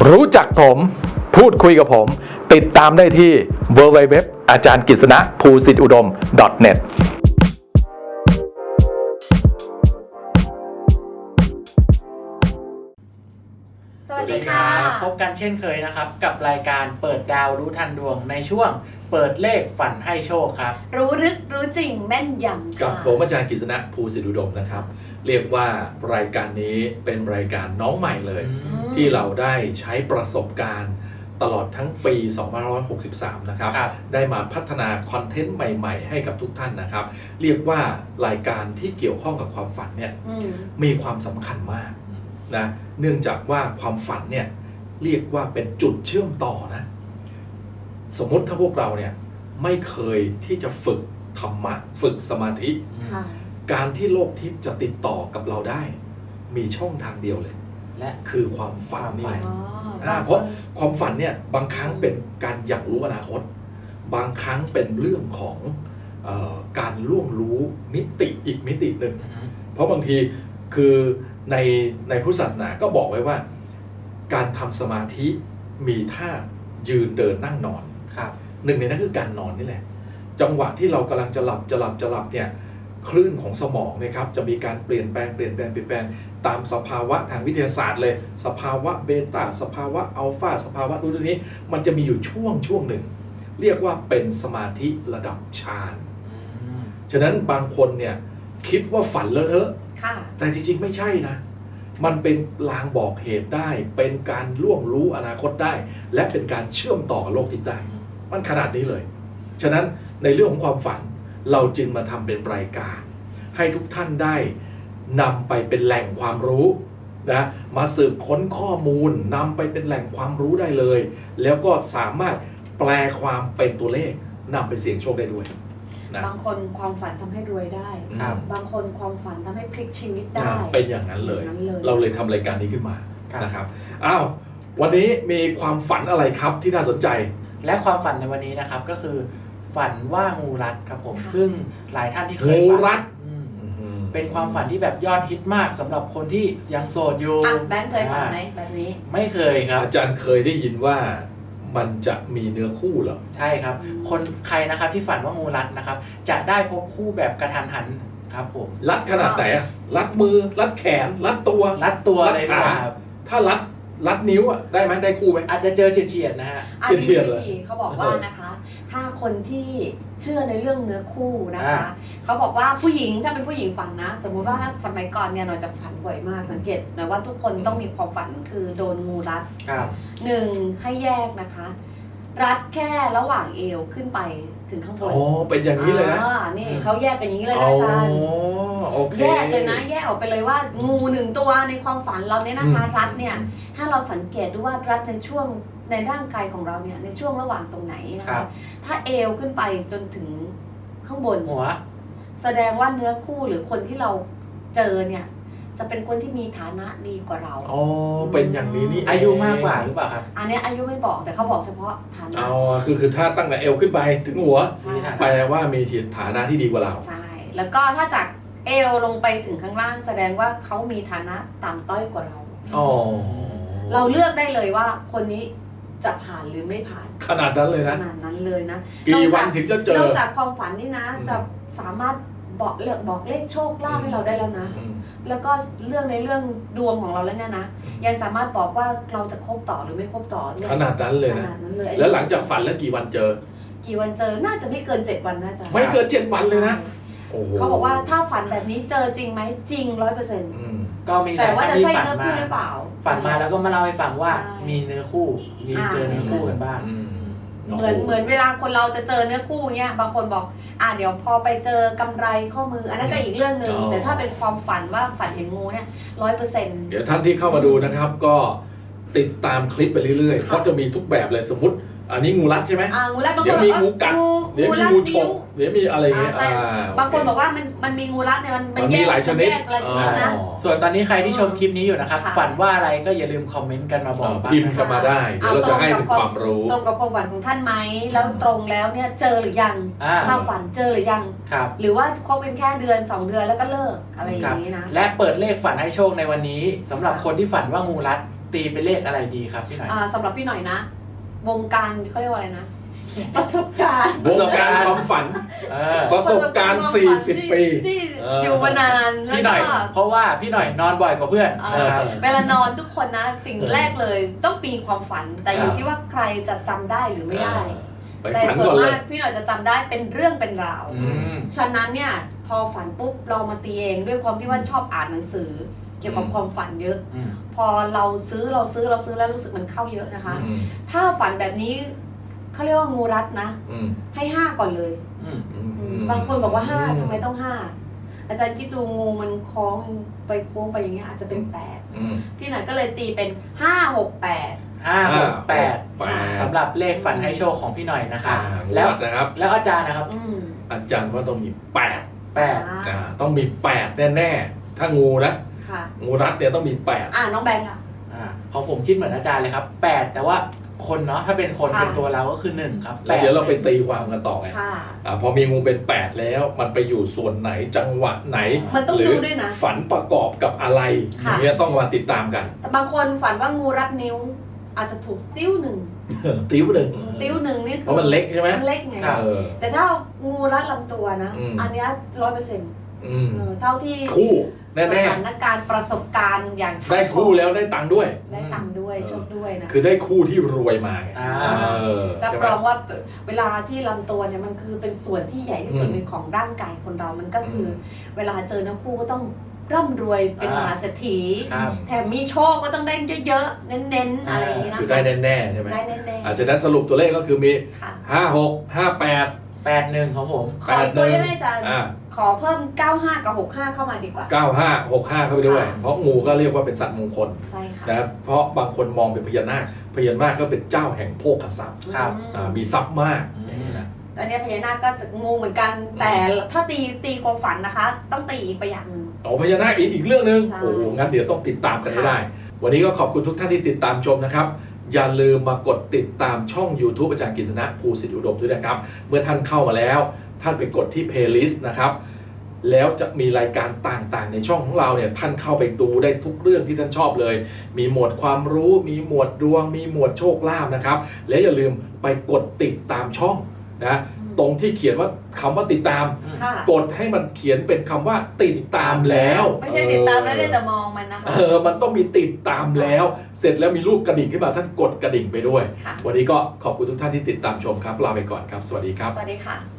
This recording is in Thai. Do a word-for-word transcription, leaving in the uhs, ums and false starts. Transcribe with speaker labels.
Speaker 1: รู้จักผมพูดคุยกับผมติดตามได้ที่ ดับเบิลยู ดับเบิลยู ดับเบิลยู ดอท อาจารย์กฤษณะภูสิทธิอุดม ดอท เน็ต
Speaker 2: สวัสดีค่ะพบกันเช่นเคยนะครับกับรายการเปิดดาวรู้ทันดวงในช่วงเปิดเลขฝันให้โชคครับ
Speaker 3: รู้ลึกรู้จริงแม่นยำ
Speaker 1: กับผมอาจารย์กฤษณะภูสิทธิอุดมนะครับเรียกว่ารายการนี้เป็นรายการน้องใหม่เลยที่เราได้ใช้ประสบการณ์ตลอดทั้งปีสองพันห้าร้อยหกสิบสามนะครับได้มาพัฒนาคอนเทนต์ใหม่ๆให้กับทุกท่านนะครับเรียกว่ารายการที่เกี่ยวข้องกับความฝันเนี่ยมีความสำคัญมากนะเนื่องจากว่าความฝันเนี่ยเรียกว่าเป็นจุดเชื่อมต่อนะสมมติถ้าพวกเราเนี่ยไม่เคยที่จะฝึกธรรมะฝึกสมาธิการที่โลกทิพย์จะติดต่อกับเราได้มีช่องทางเดียวเลยและคือความฝันนี่เพราะความฝันเนี่ยบางครั้งเป็นการอยากรู้อนาคตบางครั้งเป็นเรื่องของเอ่อการล่วงรู้มิติอีกมิติหนึ่งเพราะบางทีคือในในพุทธศาสนาก็บอกไว้ว่าการทำสมาธิมีท่ายืนเดินนั่งนอนหนึ่งในนั้นคือการนอนนี่แหละจังหวะที่เรากำลังจะหลับจะหลับจะหลับเนี่ยคลื่นของสมองนะครับจะมีการเปลี่ยนแปลงเปลี่ยนแปลงเปลี่ยนแปลงตามสภาวะทางวิทยาศาสตร์เลยสภาวะเบต้าสภาวะอัลฟาสภาวะนู้นนี้มันจะมีอยู่ช่วงช่วงหนึ่งเรียกว่าเป็นสมาธิระดับฌานฉะนั้นบางคนเนี่ยคิดว่าฝันเลอะเทอะแต่ที่จริงไม่ใช่นะมันเป็นลางบอกเหตุได้เป็นการล่วงรู้อนาคตได้และเป็นการเชื่อมต่อกับโลกทิพย์ได้มันขนาดนี้เลยฉะนั้นในเรื่องของความฝันเราจึงมาทำเป็นรายการให้ทุกท่านได้นำไปเป็นแหล่งความรู้นะมาสืบค้นข้อมูลนำไปเป็นแหล่งความรู้ได้เลยแล้วก็สามารถแปลความเป็นตัวเลขนำไปเสี่ยงโชคได้ด้วยนะบางคนความฝันทำให้รวยได้บางคนความฝันทำให้พลิกชีวิตได้เป็นอย่างนั้นเลยเราเลยทำรายการนี้ขึ้นมานะครับอ้าววันนี้มีความฝันอะไรครับที่น่าสนใจ
Speaker 2: และความฝันในวันนี้นะครับก็คือฝันว่างูรัดครับผมซึ่งหลายท่านที่เคย
Speaker 1: งูรัด
Speaker 2: เป็นความฝันที่แบบยอดฮิตมากสำหรับคนที่ยังโสดอยู่
Speaker 3: แบงค์เคยฝันไหมแบบนี้
Speaker 2: ไม่เคยครับ
Speaker 1: อาจารย์เคยได้ยินว่ามันจะมีเนื้อคู่เหรอ
Speaker 2: ใช่ครับคนใครนะครับที่ฝันว่างูรัดนะครับจะได้พบคู่แบบกระทันหันครับผม
Speaker 1: รัดขนาดไหนอะรัดมือรัดแขนรัดตัว
Speaker 2: รัดตัว
Speaker 1: รัดขาถ้ารัดรัดนิ้วอ่ะได้ไหมได้คู่ไหม
Speaker 2: อาจจะเจอเฉียดๆนะฮะ
Speaker 3: เฉียดๆเลยเขาบอกว่านะคะถ้าคนที่เชื่อในเรื่องเนื้อคู่นะคะเขาบอกว่าผู้หญิงถ้าเป็นผู้หญิงฝันนะสมมุติว่าสมัยก่อนเนี่ยเราจะฝันบ่อยมากสังเกตนะว่าทุกคนต้องมีความฝันคือโดนงูรัดหนึ่งให้แยกนะคะรัดแค่ระหว่างเอวขึ้นไปถึงข้างบน
Speaker 1: โอ้เป็นอย่างนี้เลยนะ
Speaker 3: นี่เขาแยกเป็นอย่างนี้เลยนะอาจารย์แยกเลยนะแยกออกไปเลยว่างูหนึ่งตัวในความฝันเราเนี่ยนะคะรัดเนี่ยถ้าเราสังเกตดูว่ารัดในช่วงในร่างกายของเราเนี่ยในช่วงระหว่างตรงไหนนะคะถ้าเอวขึ้นไปจนถึงข้างบน
Speaker 2: หัว
Speaker 3: แสดงว่าเนื้อคู่หรือคนที่เราเจอเนี่ยจะเป็นคนที่มีฐานะดีกว่าเรา
Speaker 1: อ๋อเป็นอย่างนี้นี่
Speaker 2: อายุมากกว่าหรือเปล่าครับ
Speaker 3: อันนี้อายุไม่บอกแต่เขาบอกเฉพาะฐานะ
Speaker 1: อ๋อคือคือถ้าตั้งแต่เอวขึ้นไปถึงหัวแปลว่ามีฐานะที่ดีกว่าเรา
Speaker 3: ใช่แล้วก็ถ้าจากเอวลงไปถึงข้างล่างแสดงว่าเขามีฐานะต่ำต้อยกว่าเรา
Speaker 1: อ๋อ
Speaker 3: เราเลือกได้เลยว่าคนนี้จะผ่านหรือไม่ผ่าน
Speaker 1: ขนาดนั้นเลยนะ
Speaker 3: ขนาดนั้นเลยนะ
Speaker 1: กี่วันถึงจะเจอน
Speaker 3: อกจากความฝันนี่นะจะสามารถบอกเลือกบอกเลขโชคลาภให้เราได้แล้วนะแล้วก็เรื่องในเรื่องดวงของเราแล้วเนี่ยนะยังสามารถบอกว่าเราจะคบต่อหรือไม่คบต่อ
Speaker 1: ขนาดนั้นเลยนะแล้วหลังจากฝันแล้วกี่วันเจอ
Speaker 3: กี่วันเจอน่าจะไม่เกินเจ็ดวันนะจ๊ะ
Speaker 1: ไม่เกินเจ็ดวันเลยนะ
Speaker 3: เขาบอกว่าถ้าฝันแบบนี้เจอจริงไหมจริงร้อยเปอร์เซ็นต์
Speaker 2: ก็มี
Speaker 3: แต่ว่าจะใช่เนื้อคู่หรือเปล่า
Speaker 2: ฝันมาแล้วก็มาเล่าให้ฟังว่ามีเนื้อคู่มีเจอเนื้อคู่กันบ้าง
Speaker 3: เหมือนเหมือนเวลาคนเราจะเจอเนื้อคู่เงี้ยบางคนบอกอ่าเดี๋ยวพอไปเจอกำไรข้อมืออันนั้นก็อีกเรื่องหนึ่งแต่ถ้าเป็นความฝันว่าฝันเห็นงูเนี่ยร้อยเปอร์เซ็นต์
Speaker 1: เดี๋ยวท่านที่เข้ามาดูนะครับก็ติดตามคลิปไปเรื่อยๆเพราะจะมีทุกแบบเลยสมมติอันนี้งูรัดใช่ไหมเดี๋ยวมีงูกัดเดี๋ยวมีงูฉกเดี๋ยวมีอะไรเงี้ย
Speaker 3: บางคนบอกว่ามันมันมีงูรัดเนี่ยมัน
Speaker 1: มันมีหลายชนิด
Speaker 3: นะ
Speaker 2: ส่วนตอนนี้ใครที่ชมคลิปนี้อยู่นะครับฝันว่าอะไรก็อย่าลืมคอมเมนต์กันมาบอก
Speaker 1: พิมพ์กันมาได้เดี๋ยวเราจะให้เป็นความรู้
Speaker 3: ตรงกับความฝันของท่านไหมแล้วตรงแล้วเนี่ยเจอหรือยังถ้าฝันเจอหรือยังหรือว่าคบเป็นแค่เดือนสองเดือนแล้วก็เลิกอะไรอย่างนี้นะ
Speaker 2: และเปิดเลขฝันให้โชคในวันนี้สำหรับคนที่ฝันว่างูรัดตีเป็นเลขอะไรดีครับพี่หน่อย
Speaker 3: อ่าสำหรับพี่หน่อยนะ วงการเขาเรียกว่าอะไรนะ ประสบการณ์
Speaker 1: วงการความฝัน
Speaker 2: เออ
Speaker 1: ประสบการณ์สี่สิบปี
Speaker 3: ที่
Speaker 1: เออ
Speaker 3: อยู่มานานแล้ว
Speaker 2: พี่หน่
Speaker 3: ก็
Speaker 2: อยเพราะว่าพี่หน่อยนอนบ่อยกว่าเพื่อน
Speaker 3: เอ่
Speaker 2: นะครับ
Speaker 3: อเวลานอนทุกคนนะสิ่งแรกเลยต้องมีความฝัน แต่อยู่
Speaker 1: ครับ
Speaker 3: ที่ว่าใครจะจำได้หรือไม่ได้
Speaker 1: ไป
Speaker 3: แต่
Speaker 1: ฝัน
Speaker 3: ส่ว
Speaker 1: ก่อน นเล
Speaker 3: มาย กพี่หน่อยจะจำได้เป็นเรื่องเป็นราว
Speaker 2: อืม
Speaker 3: ฉะนั้นเนี่ยพอฝันปุ๊บเรามาตีเองด้วยความที่ว่าชอบอ่านหนังสือ เกี่ยวกับความฝันเยอะ
Speaker 2: อืม
Speaker 3: พอเราซื้อเราซื้อเราซื้อแล้วรู้สึกมันเข้าเยอะนะคะ
Speaker 1: อืม
Speaker 3: ถ้าฝันแบบนี้เขาเรียกว่างูรัดนะ
Speaker 1: อืม
Speaker 3: ให้ห้าก่อนเลย
Speaker 2: อืม
Speaker 1: อืม
Speaker 3: บางคนบอกว่าห้าทำไมต้องห้าอาจารย์คิดดูงูมันคล้องไปโค้งไปอย่างเงี้ยอาจจะเป็นแปด
Speaker 1: อืม
Speaker 3: พี่หน่อยก็เลยตีเป็นห้าหกแปด
Speaker 2: ห้าหกแปด
Speaker 1: แปด
Speaker 2: สำหรับเลขฝันให้โชคของพี่หน่อยนะครับ
Speaker 1: อ่า
Speaker 2: แล้ว
Speaker 1: วัดนะครับ
Speaker 2: แล้วอาจารย์นะครับ
Speaker 3: อืม
Speaker 1: อาจารย์ว่าต้องมีแปด
Speaker 2: แปด
Speaker 1: อ่าต้องมีแปดแน่ๆถ้างูนะ
Speaker 3: ค่ะ
Speaker 1: งูรัดเนี่ยต้องมีแปด
Speaker 3: อ่าน้องแบงค์อ่ะ
Speaker 2: อ่าของผมคิดเหมือนอาจารย์เลยครับแปดแต่ว่าคนเนาะถ้าเป็นคน
Speaker 3: ค่ะ
Speaker 2: เป็นตัวเราก็คือหนึ่งครับ
Speaker 1: แล้วเดี๋ยวเราไปตีความกันต่อไง
Speaker 3: ค่ะ
Speaker 1: อ่าพอมีงูเป็นแปดแล้วมันไปอยู่ส่วนไหนจังหวะไหน
Speaker 3: มันต้อง
Speaker 1: หรื
Speaker 3: ดูด้วยนะ
Speaker 1: ฝันประกอบกับอะไรอ
Speaker 3: ค่ะ
Speaker 1: ย่างเงี้ยต้องมาติดตามกัน
Speaker 3: แต่บางคนฝันว่างูรัดนิ้ว อาจจะถูกติ้วหนึ่ง
Speaker 1: ติ้วหนึ่ง
Speaker 3: ติ้วหนึ่งนี่คื
Speaker 1: เพราะมันเล็กใช่ไหม
Speaker 3: มันเล็กไง
Speaker 1: เออ
Speaker 3: แต่ถ้างูรัดลำตัวนะ
Speaker 1: อืม
Speaker 3: อันเนี้ร้อยเปอร์เซ็นต์
Speaker 1: อืม
Speaker 3: เท่าที่
Speaker 1: คู่แน่
Speaker 3: สถานการณ์ประสบการณ์อย่าง
Speaker 1: ๆ
Speaker 3: ชั
Speaker 1: ได้คู่แล้วได้ตังค์ด้วย
Speaker 3: ได้ตังค์ด้วยโชคด้วยนะ
Speaker 1: คือได้คู่ที่รวยมาไง
Speaker 2: อ่า
Speaker 1: เออ
Speaker 3: รับ
Speaker 1: ใช่ไหม
Speaker 3: รองว่าเวลาที่ลำตัวเนี่ยมันคือเป็นส่วนที่ใหญ่ที่สุด
Speaker 1: อืม
Speaker 3: ในของร่างกายคนเรามันก็คืออ
Speaker 1: ม
Speaker 3: เวลาเจอเนื้อคู่ก็ต้องร่ำรวยเป็นม
Speaker 2: อ่า
Speaker 3: หาเศรษฐี
Speaker 2: ครับ
Speaker 3: แถมมีโชคก็ต้องได้เยอะๆ เน้นๆ อะไรอย่างนี้นะ
Speaker 1: คือได้แน่ๆใช่ไหม
Speaker 3: ได้แน่ๆ
Speaker 1: อาจจะนั้นสรุปตัวเลขก็คือมี
Speaker 3: ค่ะ
Speaker 1: ห้าหกห้าแปด
Speaker 2: แปดหนึ่งของผม
Speaker 3: ขออีกตัวได้ไหมอาจารย์
Speaker 1: อ่า
Speaker 3: ขอเพิ่มเก้าห้ากับหกห้าเข้ามาดีกว่า
Speaker 1: เก้าห้าหกห้าเข้าไปด้วย
Speaker 3: ค่ะ
Speaker 1: เพราะงูก็เรียกว่าเป็นสัตว์มงคล
Speaker 3: ใช่ค่ะ
Speaker 1: นะเพราะบางคนมองเป็นพญานาคพญานาคก็เป็นเจ้าแห่งโภคทรัพย์
Speaker 2: ครับ
Speaker 3: อืม
Speaker 1: อ่ามีทรัพย์มากอย่างนี้นะ
Speaker 3: อันเนี้ยพญานาคก็จะงูเหมือนกัน แต่ถ้าตีตีความฝันนะคะ ต้องตีอีกไปอย่างหนึ่ง
Speaker 1: โอ้พญานาคอีกอีกเรื่องหนึ่ง
Speaker 3: ใช่
Speaker 1: โอ้โหงั้นเดี๋ยวต้องติดตามกันให้
Speaker 3: ค่ะ
Speaker 1: ได้ วันนี้ก็ขอบคุณทุกท่านที่ติดตามชมนะครับ อย่าลืมมากดติดตามช่อง YouTube อาจารย์กฤษณะภูสิทธิอุดมด้วยนะครับ เมื่อท่านเข้ามาแล้ว ท่านไปกดที่ Playlist นะครับ แล้วจะมีรายการต่างๆ ในช่องของเราเนี่ยท่านเข้าไปดูได้ทุกเรื่องที่ท่านชอบเลย มีหมวดความรู้ มีหมวดดวง มีหมวดโชคลาภนะครับ และอย่าลืมไปกดติดตามช่องนะตรงที่เขียนว่าคำว่าติดตาม
Speaker 3: ค่ะ
Speaker 1: กดให้มันเขียนเป็นคำว่าติดตามแล้ว
Speaker 3: ไม่ใช่ติดตามแล้วได้แต่มองมันนะคะ
Speaker 1: เออมันต้องมีติดตามแล้ว เสร็จแล้วมีรูปกระดิ่งขึ้นมาท่านกดกระดิ่งไปด้วย
Speaker 3: ค่ะ
Speaker 1: วันนี้ก็ขอบคุณทุกท่านที่ติดตามชมครับลาไปก่อนครับ สวัสดีครับ
Speaker 3: สวัสดีค่ะ